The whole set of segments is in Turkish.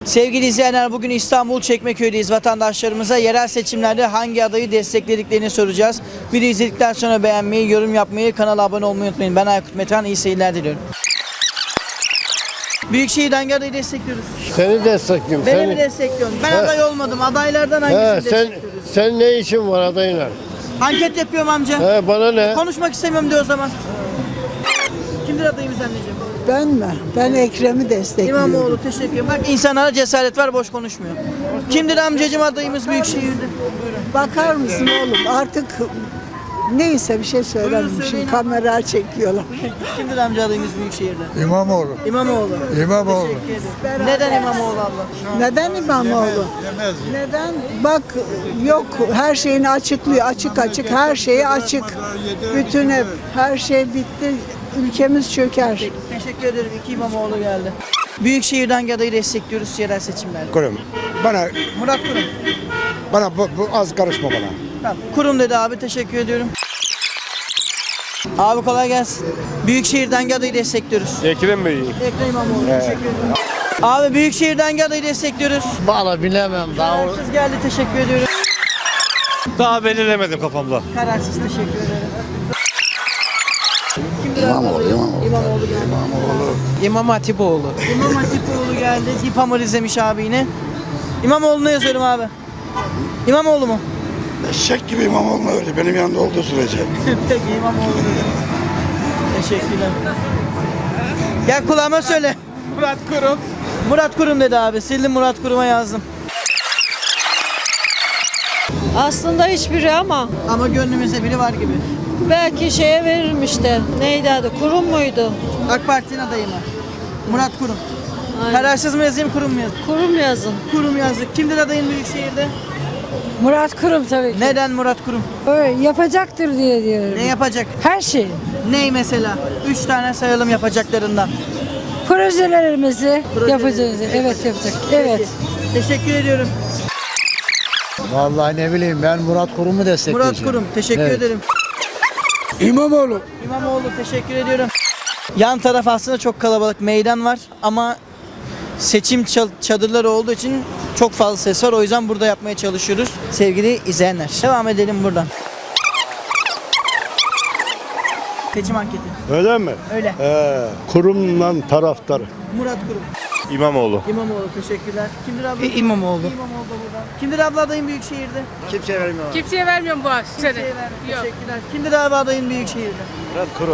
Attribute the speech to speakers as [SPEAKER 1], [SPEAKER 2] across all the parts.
[SPEAKER 1] Sevgili izleyenler, bugün İstanbul Çekmeköy'deyiz. Vatandaşlarımıza yerel seçimlerde hangi adayı desteklediklerini soracağız. Videoyu izledikten sonra beğenmeyi, yorum yapmayı, kanala abone olmayı unutmayın. Ben Aykut Metehan, iyi seyirler diliyorum. Büyükşehir'den hangi adayı destekliyoruz?
[SPEAKER 2] Seni destekliyorum.
[SPEAKER 1] Beni mi destekliyorsun? Ben aday olmadım. Adaylardan hangisini destekliyoruz?
[SPEAKER 2] Sen ne işin var adayına?
[SPEAKER 1] Anket yapıyorum amca.
[SPEAKER 2] Bana ne?
[SPEAKER 1] Konuşmak istemiyorum diyor o zaman. Kimdir adayımız anneciğim?
[SPEAKER 3] Ben mi? Ben Ekrem'i destekliyorum.
[SPEAKER 1] İmamoğlu, teşekkür ederim. Bak, insanlara cesaret var, boş konuşmuyor. Kimdir amcacığım adayımız Büyükşehir'de?
[SPEAKER 3] Bakar mısın oğlum? Artık neyse bir şey söylemeyeyim.
[SPEAKER 1] söyleyin.
[SPEAKER 3] Şimdi kamera çekiyorlar.
[SPEAKER 1] Kimdir amca adayımız Büyükşehir'de?
[SPEAKER 4] İmamoğlu.
[SPEAKER 1] İmamoğlu.
[SPEAKER 4] İmamoğlu.
[SPEAKER 1] Teşekkür ederim. Neden İmamoğlu abla?
[SPEAKER 3] Neden İmamoğlu? Neden? Bak yok, her şeyini açıklıyor. Açık açık her şeyi açık. Bütün hep her şey bitti. Ülkemiz çöker.
[SPEAKER 1] Teşekkür ederim. İki İmamoğlu geldi. Büyükşehir'den hangi adayı destekliyoruz yerel seçimlerde?
[SPEAKER 4] Kurum.
[SPEAKER 1] Murat Kurum.
[SPEAKER 4] Bana bu az karışma bana.
[SPEAKER 1] Tamam. Kurum dedi abi. Teşekkür ediyorum. Abi kolay gelsin. Büyükşehir'den hangi adayı destekliyoruz?
[SPEAKER 2] Ekrem Bey.
[SPEAKER 1] Ekrem İmamoğlu. Teşekkür ederim. Abi Büyükşehir'den hangi adayı destekliyoruz?
[SPEAKER 2] Valla bilemem daha.
[SPEAKER 1] Kararsız geldi. Teşekkür ediyorum.
[SPEAKER 2] Daha belirlemedim kafamda.
[SPEAKER 1] Kararsız, teşekkür ederim. İmamoğlu geldi.
[SPEAKER 5] İmam Hatipoğlu.
[SPEAKER 1] İmam Hatipoğlu geldi. Dipamır izlemiş abi yine. İmamoğlu'na yazıyorum abi. İmamoğlu mu?
[SPEAKER 4] Eşek gibi İmamoğlu'na öyle benim yanında olduğu sürece.
[SPEAKER 1] Peki İmamoğlu dedim. Teşekkürler. Gel kulağıma söyle.
[SPEAKER 5] Murat Kurum.
[SPEAKER 1] Murat Kurum dedi abi. Sildim, Murat Kurum'a yazdım.
[SPEAKER 6] Aslında hiçbiri ama
[SPEAKER 1] Ama gönlümüzde biri var gibi.
[SPEAKER 6] belki şeye veririm işte. Neydi adı? Kurum muydu?
[SPEAKER 1] AK Parti'nin adayı mı? Murat Kurum.
[SPEAKER 6] Aynen.
[SPEAKER 1] Kararsız mı yazayım, Kurum mu yazayım?
[SPEAKER 6] Kurum yazın.
[SPEAKER 1] Kurum yazdık. Kimdir adayın Büyükşehir'de?
[SPEAKER 7] Murat Kurum tabii ki.
[SPEAKER 1] Neden Murat Kurum?
[SPEAKER 7] Öyle yapacaktır diye diyorum.
[SPEAKER 1] Ne yapacak?
[SPEAKER 7] Her şey.
[SPEAKER 1] Ney mesela? 3 tane sayalım yapacaklarından.
[SPEAKER 7] Projelerimizi yapacağız. Evet yapacak. Evet.
[SPEAKER 1] Teşekkür ediyorum.
[SPEAKER 2] Vallahi ne bileyim ben Murat Kurum'u destekleyeceğim.
[SPEAKER 1] Murat Kurum. Teşekkür ederim.
[SPEAKER 4] İmamoğlu.
[SPEAKER 1] İmamoğlu, teşekkür ediyorum. Yan taraf aslında çok kalabalık, meydan var ama seçim çadırları olduğu için çok fazla ses var. O yüzden burada yapmaya çalışıyoruz sevgili izleyenler. Devam edelim buradan. Seçim anketi.
[SPEAKER 2] Öyle mi?
[SPEAKER 1] Öyle.
[SPEAKER 2] Kurumla taraftarı.
[SPEAKER 1] Murat Kurum.
[SPEAKER 2] İmamoğlu.
[SPEAKER 1] İmamoğlu, teşekkürler. Kimdir abla?
[SPEAKER 5] İmamoğlu.
[SPEAKER 1] İmamoğlu da burada. Kimdir abla adayın Büyükşehir'de?
[SPEAKER 8] Kimseye vermiyorum bu sene.
[SPEAKER 1] Kimseye ver. Teşekkürler. Kimdir abi adayın Büyükşehir'de?
[SPEAKER 2] Murat Kurum.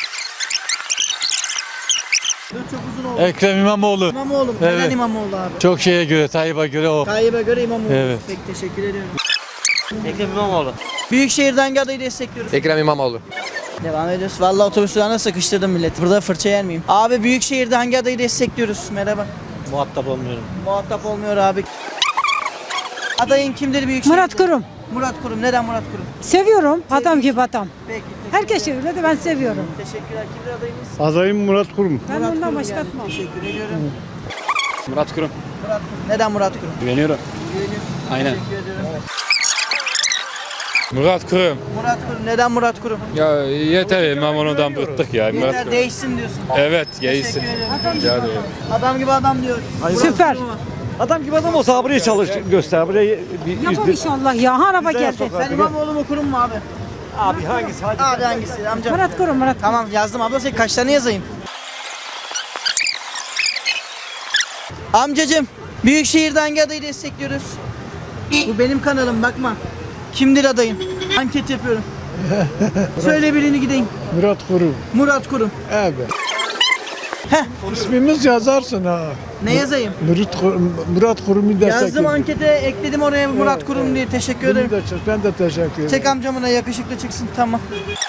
[SPEAKER 1] Dur, çok uzun oldu.
[SPEAKER 9] Ekrem İmamoğlu.
[SPEAKER 1] İmamoğlu. Neden
[SPEAKER 9] Evet.
[SPEAKER 1] İmamoğlu abi?
[SPEAKER 9] Çok şeye göre, Tayyip'e göre o.
[SPEAKER 1] Tayyip'e göre İmamoğlu.
[SPEAKER 9] Evet.
[SPEAKER 1] Peki, teşekkür ediyorum.
[SPEAKER 10] Ekrem İmamoğlu.
[SPEAKER 1] Büyükşehir'den hangi adayı destekliyoruz?
[SPEAKER 5] Ekrem İmamoğlu.
[SPEAKER 1] Devam ediyoruz. Vallahi otobüs durağına sıkıştırdım millet. Burada fırça yer miyim? Abi Büyükşehir'de hangi adayı destekliyoruz? Merhaba.
[SPEAKER 10] Muhatap olmuyorum.
[SPEAKER 1] Muhatap olmuyor abi. Adayın kimdir Büyükşehir'de?
[SPEAKER 7] Murat Kurum.
[SPEAKER 1] Murat Kurum. Neden Murat Kurum?
[SPEAKER 7] Seviyorum. Adam gibi adam.
[SPEAKER 1] Peki.
[SPEAKER 7] Herkes öyle de ben seviyorum.
[SPEAKER 1] Teşekkürler. Kimdir adayımız?
[SPEAKER 2] Adayım Murat Kurum.
[SPEAKER 7] Ben
[SPEAKER 1] Murat
[SPEAKER 7] ondan
[SPEAKER 1] Kurum
[SPEAKER 7] başka
[SPEAKER 1] geldi.
[SPEAKER 7] atmam.
[SPEAKER 1] Teşekkür ediyorum.
[SPEAKER 5] Murat Kurum.
[SPEAKER 1] Murat Kurum. Neden Murat Kurum?
[SPEAKER 5] Güveniyorum.
[SPEAKER 1] Güveniyorsunuz.
[SPEAKER 5] Aynen.
[SPEAKER 1] Teşekkür ediyorum.
[SPEAKER 9] Murat Kurum.
[SPEAKER 1] Murat Kurum. Neden Murat Kurum?
[SPEAKER 9] Ya yeter İmamoğlu'dan bıktık ya. Murat
[SPEAKER 1] Yeter
[SPEAKER 9] Kurum.
[SPEAKER 1] değişsin diyorsun.
[SPEAKER 9] Evet,
[SPEAKER 1] Teşekkür
[SPEAKER 9] geysin.
[SPEAKER 1] ederim. Adam gibi adam diyor.
[SPEAKER 7] Süper.
[SPEAKER 10] Adam gibi adam olsa buraya çalış göster. Buraya
[SPEAKER 7] Yapar inşallah ya. Ha, araba geldi.
[SPEAKER 1] Sen İmamoğlu mu Kurum mu abi?
[SPEAKER 10] abi hangisi? Hadi.
[SPEAKER 1] Abi hangisi amca?
[SPEAKER 7] Murat Kurum, Murat Kurum.
[SPEAKER 1] Tamam yazdım abla, sen kaç tane yazayım? Amcacım, Büyükşehir'de hangi adayı destekliyoruz? Bu benim kanalım, bakma. Kimdir adayın? Anket yapıyorum. Söyle birini gideyim.
[SPEAKER 2] Murat Kurum.
[SPEAKER 1] Murat Kurum.
[SPEAKER 2] Evet.
[SPEAKER 1] Heh,
[SPEAKER 2] İsmimiz yazarsın ha.
[SPEAKER 1] ne yazayım?
[SPEAKER 2] Murat Kurum'u
[SPEAKER 1] Yazdım, ankete ekledim oraya Murat Kurum diye. Teşekkür ederim.
[SPEAKER 2] Ben de teşekkür ederim.
[SPEAKER 1] Çek amcamın da yakışıklı çıksın, tamam.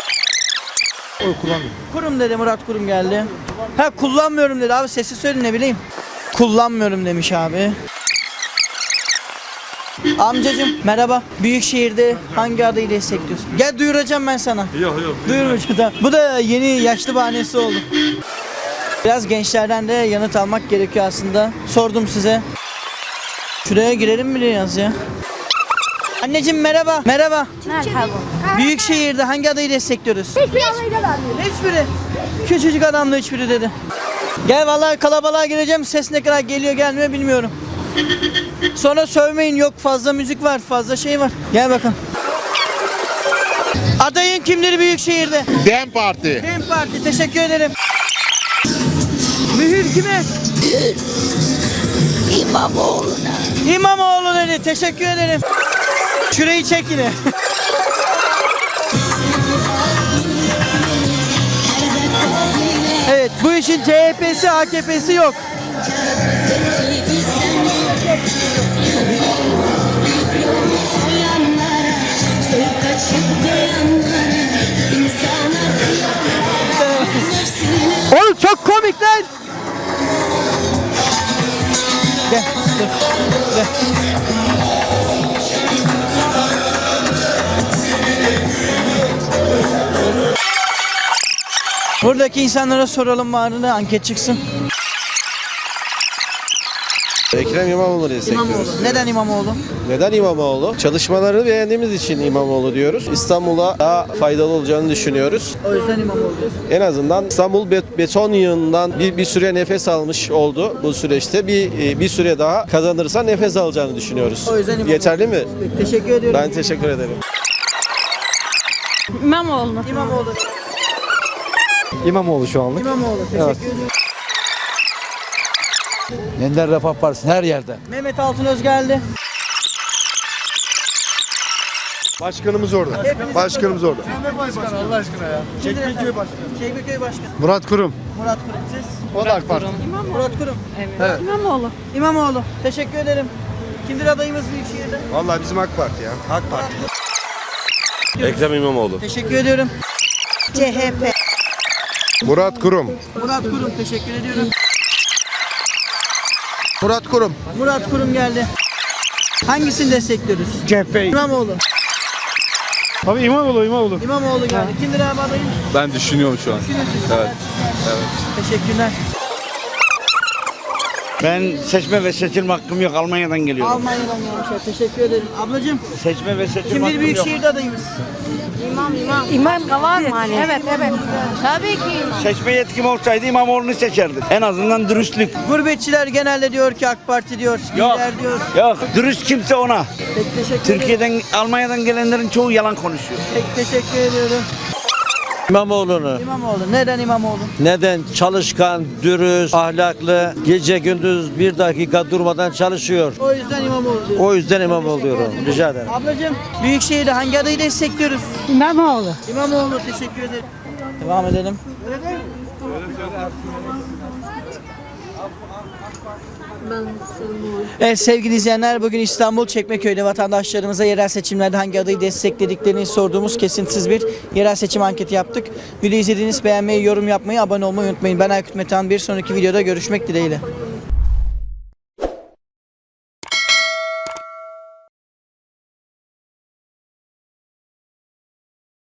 [SPEAKER 1] Kurum dedi, Murat Kurum geldi. Ha, kullanmıyorum dedi abi, sesi söyle ne bileyim. Kullanmıyorum demiş abi. Amcacım merhaba. Büyükşehir'de hangi adayı destekliyorsun? Gel duyuracağım ben sana.
[SPEAKER 9] Yok.
[SPEAKER 1] Duyurmayacağım. Bu da yeni yaşlı bahanesi oldu. Biraz gençlerden de yanıt almak gerekiyor aslında. Sordum size. Şuraya girelim mi biraz ya? Anneciğim merhaba. Merhaba.
[SPEAKER 8] Merhaba.
[SPEAKER 1] Büyükşehir'de hangi adayı destekliyoruz? Hiçbiri. Küçücük adamla hiçbiri dedi. Gel vallahi kalabalığa gireceğim. Ses ne kadar geliyor gelmiyor bilmiyorum. Sonra sövmeyin, yok fazla müzik var, fazla şey var. Gel bakalım. Adayın kimdir Büyükşehir'de?
[SPEAKER 11] DEM Parti.
[SPEAKER 1] DEM Parti, teşekkür ederim. Mühür kime? İmamoğlu'na. İmamoğlu dedi, teşekkür ederim. Şurayı çek yine. Evet, bu işin CHP'si, AKP'si yok. Oğlum çok komikler. Gel, dur. Gel. Buradaki insanlara soralım bari de anket çıksın.
[SPEAKER 12] Ekrem İmamoğlu destekliyoruz.
[SPEAKER 1] İmamoğlu. Neden İmamoğlu?
[SPEAKER 12] Neden İmamoğlu? Çalışmalarını beğendiğimiz için İmamoğlu diyoruz. İstanbul'a daha faydalı olacağını düşünüyoruz.
[SPEAKER 1] O yüzden İmamoğlu diyorsun.
[SPEAKER 12] En azından İstanbul beton yığınından bir süre nefes almış oldu bu süreçte. Bir süre daha kazanırsa nefes alacağını düşünüyoruz.
[SPEAKER 1] O yüzden İmamoğlu.
[SPEAKER 12] Yeterli mi?
[SPEAKER 1] Teşekkür ediyorum.
[SPEAKER 12] Ben teşekkür ederim.
[SPEAKER 6] İmamoğlu.
[SPEAKER 1] İmamoğlu.
[SPEAKER 10] İmamoğlu şu anlık.
[SPEAKER 1] İmamoğlu. Teşekkür ediyorum.
[SPEAKER 10] Yeniden Refah Partisi her yerde.
[SPEAKER 1] Mehmet Altınöz geldi.
[SPEAKER 4] Başkanımız orada. Başkanımız orada.
[SPEAKER 1] Çekmeköy Başkanı. Çekmeköy Başkanı.
[SPEAKER 4] Murat Kurum.
[SPEAKER 1] Murat Kurum, siz?
[SPEAKER 4] O da AK Parti.
[SPEAKER 1] Murat Kurum.
[SPEAKER 6] İmamoğlu.
[SPEAKER 1] İmamoğlu. Teşekkür ederim. Kimdir adayımız Büyükşehir'de?
[SPEAKER 4] Vallahi bizim AK Parti ya. AK Parti.
[SPEAKER 12] Ekrem İmamoğlu.
[SPEAKER 1] Teşekkür ediyorum.
[SPEAKER 3] CHP.
[SPEAKER 4] Murat Kurum.
[SPEAKER 1] Murat Kurum, teşekkür ediyorum.
[SPEAKER 4] Murat Kurum.
[SPEAKER 1] Murat Kurum geldi. Hangisini destekliyoruz?
[SPEAKER 2] CHP.
[SPEAKER 1] İmamoğlu.
[SPEAKER 2] Abi İmamoğlu.
[SPEAKER 1] İmamoğlu geldi. Kimdir abi adayım?
[SPEAKER 9] Ben düşünüyorum şu an.
[SPEAKER 1] Düşünüyorsunuz.
[SPEAKER 9] Evet.
[SPEAKER 1] Teşekkürler.
[SPEAKER 10] Ben seçme ve seçilme hakkım yok. Almanya'dan geliyorum.
[SPEAKER 1] Almanya'dan gelmişler. Teşekkür ederim. Ablacığım,
[SPEAKER 10] Seçme ve seçilme
[SPEAKER 1] kimdir
[SPEAKER 10] hakkım yok.
[SPEAKER 1] Büyükşehir'de adayımız?
[SPEAKER 7] İmam var mı hani? Evet.
[SPEAKER 6] Tabii ki İmamoğlu.
[SPEAKER 10] Seçme yetkim olsaydı İmamoğlu'nu seçerdim. En azından dürüstlük.
[SPEAKER 1] Gurbetçiler genelde diyor ki AK Parti diyor,
[SPEAKER 10] Yok.
[SPEAKER 1] lider diyor.
[SPEAKER 10] Yok. Dürüst kimse ona.
[SPEAKER 1] Pek teşekkür ederim.
[SPEAKER 10] Türkiye'den, Almanya'dan gelenlerin çoğu yalan konuşuyor.
[SPEAKER 1] Pek teşekkür ediyorum.
[SPEAKER 10] İmamoğlu'nu.
[SPEAKER 1] İmamoğlu. Neden İmamoğlu?
[SPEAKER 10] Neden? Çalışkan, dürüst, ahlaklı, gece gündüz bir dakika durmadan çalışıyor.
[SPEAKER 1] O yüzden İmamoğlu diyorsun.
[SPEAKER 10] O yüzden İmamoğlu diyorum. Rica ederim.
[SPEAKER 1] Ablacığım, Büyükşehir'de hangi adayı destekliyoruz?
[SPEAKER 7] İmamoğlu.
[SPEAKER 1] İmamoğlu, teşekkür ederim. Devam edelim. Evet sevgili izleyenler, bugün İstanbul Çekmeköy'de vatandaşlarımıza yerel seçimlerde hangi adayı desteklediklerini sorduğumuz kesintisiz bir yerel seçim anketi yaptık. Videoyu izlediğiniz, beğenmeyi, yorum yapmayı, abone olmayı unutmayın. Ben Aykut Metehan, bir sonraki videoda görüşmek dileğiyle.